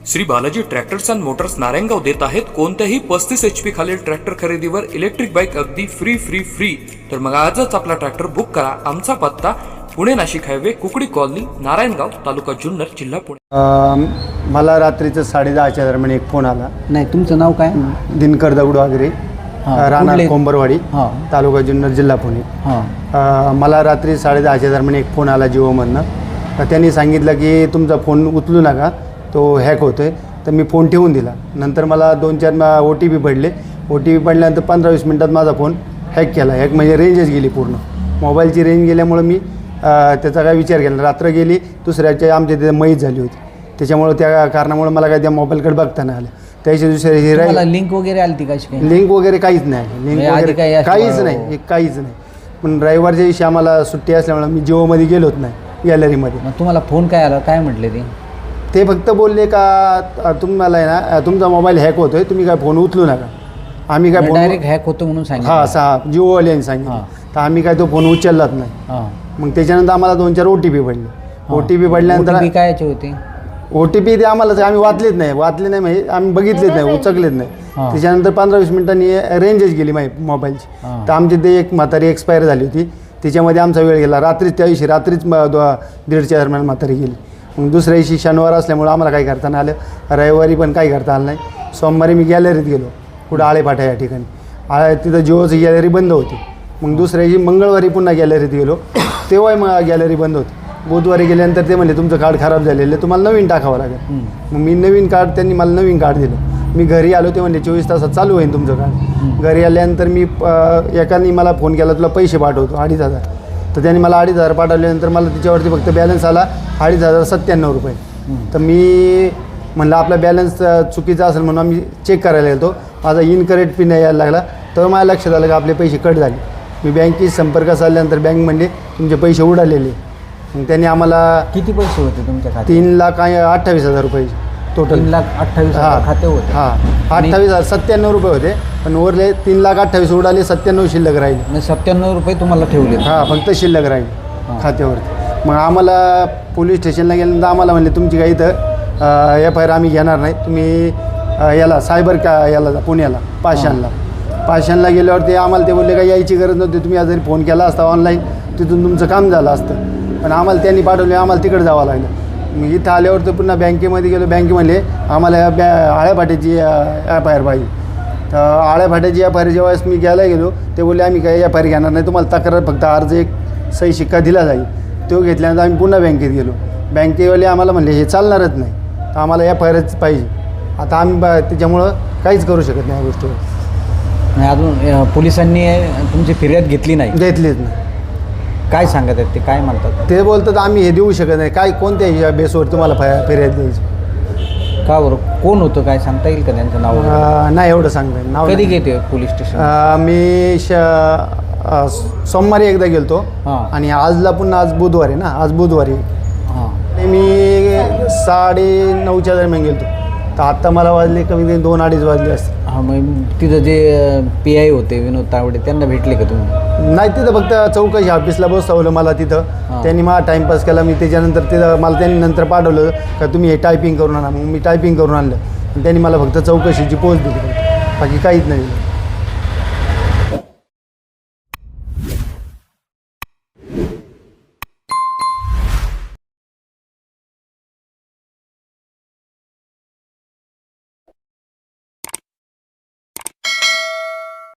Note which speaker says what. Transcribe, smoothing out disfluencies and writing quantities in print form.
Speaker 1: Shri Balaji tractors and motors Narayangaon देत आहेत कोणत्याही 35 HP खालील ट्रॅक्टर खरेदीवर इलेक्ट्रिक बाईक अगदी फ्री। तर मग आजच आपला ट्रॅक्टर बुक करा। आमचा पत्ता पुणे नाशिक हायवे कुकडी कॉलनी नारायणगाव तालुका जुन्नर जिल्हा पुणे।
Speaker 2: मला रात्रीचं 10:30च्या दरम्यान एक फोन आला।
Speaker 3: नाही, तुमचं नाव काय?
Speaker 2: दिनकर दगडू आगरे, राहणार कोंबरवाडी, तालुका जुन्नर जिल्हा पुणे। मला रात्री 10:30च्या दरम्यान एक फोन आला जिओमधनं। तर त्यांनी सांगितलं की तुमचा फोन उचलू नका, तो हॅक होतोय। तर मी फोन ठेवून दिला। नंतर मला 2-4 OTP पडले। OTP पडल्यानंतर 15-20 मिनिटात माझा फोन हॅक केला। हॅक म्हणजे रेंजच गेली, पूर्ण मोबाईलची रेंज गेल्यामुळे मी त्याचा काय विचार केला। रात्र गेली, दुसऱ्याच्या आमच्या तिथे मैत झाली होती, त्याच्यामुळे त्या कारणामुळे मला काय त्या मोबाईलकडे बघता नाही आलं। त्याच्या दुसऱ्या
Speaker 3: लिंक वगैरे आली ती कशी?
Speaker 2: लिंक वगैरे काहीच नाही, लिंक वगैरे काहीच नाही। पण रविवारच्या दिवशी आम्हाला सुट्टी असल्यामुळे मी जिओमध्ये गेलोच नाही गॅलरीमध्ये।
Speaker 3: तुम्हाला फोन काय आला, काय म्हटले
Speaker 2: ते फक्त बोलले का तुम्हाला आहे ना, तुमचा मोबाईल हॅक होतोय, तुम्ही काय फोन उचलू नका। आम्ही काय
Speaker 3: डायरेक्ट हॅक होतो म्हणून सांगितलं?
Speaker 2: हां, जिओवाल्यांनी सांगितलं। तर आम्ही काय तो फोन उचललाच नाही। मग त्याच्यानंतर आम्हाला 2-4 OTP पडले। OTP पडल्यानंतर
Speaker 3: कायचे होते?
Speaker 2: OTP ते आम्हाला आम्ही वाचले नाही म्हणजे आम्ही बघितलेच नाही, उचकलेच नाही। त्याच्यानंतर 15-20 मिनिटांनी रेंजच गेली माझी मोबाईलची। तर आमची ते एक म्हातारी एक्सपायर झाली होती, त्याच्यामध्ये आमचा वेळ गेला। रात्रीच त्या दिवशी रात्रीच 1:30च्या दरम्यान म्हातारी गेली। मग दुसऱ्या दिवशी शनिवार असल्यामुळे आम्हाला काही करता नाही आलं। रविवारी पण काही करता आलं नाही। सोमवारी मी गॅलरीत गेलो, कुठं आळेपाठा या ठिकाणी। तिथं जिओची गॅलरी बंद होती। मग दुसऱ्या दिवशी मंगळवारी पुन्हा गॅलरीत गेलो, तेव्हाही मग गॅलरी बंद होती। बुधवारी गेल्यानंतर ते म्हणले तुमचं कार्ड खराब झालेलं आहे, तुम्हाला नवीन टाकावं लागेल। मग मी नवीन कार्ड, त्यांनी मला नवीन कार्ड दिलं। मी घरी आलो, ते म्हणले 24 तासात चालू होईल तुमचं कार्ड। घरी आल्यानंतर मी एकाने मला फोन केला, तुला पैसे पाठवतो 2,500। तर त्यांनी मला 2,500 पाठवल्यानंतर मला त्याच्यावरती फक्त बॅलन्स आला 2,597 रुपये। तर मी म्हणलं आपला बॅलन्स चुकीचा असेल म्हणून आम्ही चेक करायला गेलो। माझा इनकरेक्ट पिन यायला लागला, तर माझ्या लक्षात आलं की आपले पैसे कट झाले। मी बँकेशी संपर्क साधल्यानंतर बँक म्हणले तुमचे पैसे उडालेले। मग त्यांनी आम्हाला
Speaker 3: किती पैसे होते तुमच्या खात्यात?
Speaker 2: 3,28,000 रुपये टोटल।
Speaker 3: 3,28,000 खाते होते?
Speaker 2: 28,097 रुपये होते, पण उरले 3,28,000 उडाले, 97 शिल्लक राहिले।
Speaker 3: म्हणजे 97 रुपये तुम्हाला ठेवले?
Speaker 2: फक्त शिल्लक राहील खात्यावरती। मग आम्हाला पोलीस स्टेशनला गेल्यानंतर आम्हाला म्हणले तुमची काही इथं FIR आम्ही घेणार नाही, तुम्ही याला सायबर याला जा, पुण्याला पाषाणला गेल्यावरती आम्हाला ते बोलले का यायची गरज नव्हती, तुम्ही जरी फोन केला असता ऑनलाईन तिथून तुमचं काम झालं असतं। पण आम्हाला त्यांनी पाठवले, आम्हाला तिकडे जावं लागलं। मग इथं आल्यावर तर पुन्हा बँकेमध्ये गेलो। बँके म्हणले आम्हाला आळ्याफाट्याची FIR पाहिजे। तर आळ्याफाट्याची FIR जेव्हा मी घ्यायला गेलो, ते बोलले आम्ही काही FIR घेणार नाही, तुम्हाला तक्रार फक्त अर्ज एक सही शिक्का दिला जाईल। तो घेतल्यानंतर आम्ही पुन्हा बँकेत गेलो। बँकेवाले आम्हाला म्हणले हे चालणारच नाही, तर आम्हाला FIRच पाहिजे। आता आम्ही त्याच्यामुळं काहीच करू शकत नाही या गोष्टीवर।
Speaker 3: अजून पोलिसांनी तुमची फिर्याद घेतलीच नाही? काय सांगत आहेत ते, काय म्हणतात
Speaker 2: ते? बोलतात आम्ही हे देऊ शकत नाही। काय कोणत्या बेसवर तुम्हाला फिर्याद द्यायची?
Speaker 3: का बरं? कोण होतं, काय सांगता येईल का त्यांचं नाव?
Speaker 2: नाही, एवढं सांगता येईल नाव।
Speaker 3: कधी घेते पोलीस स्टेशन?
Speaker 2: मी सोमवारी एकदा गेलतो, आणि आजला पुन्हा आज बुधवारी ना, आज बुधवारी मी 9:30च्या दरम्यान गेलतो। तर आत्ता मला वाजले कमी 2-2:30 वाजले असते।
Speaker 3: मग तिथं जे PI होते विनोद तावडे, त्यांना भेटले का तुम्ही?
Speaker 2: नाही, तिथं फक्त चौकशी ऑफिसला बसवलं मला तिथं। त्यांनी मला टाईमपास केला। मी त्याच्यानंतर तिथं मला त्यांनी नंतर पाठवलं का तुम्ही हे टायपिंग करून आणा। मग मी टायपिंग करून आणलं, आणि त्यांनी मला फक्त चौकशीची पोच दिली, बाकी काहीच नाही।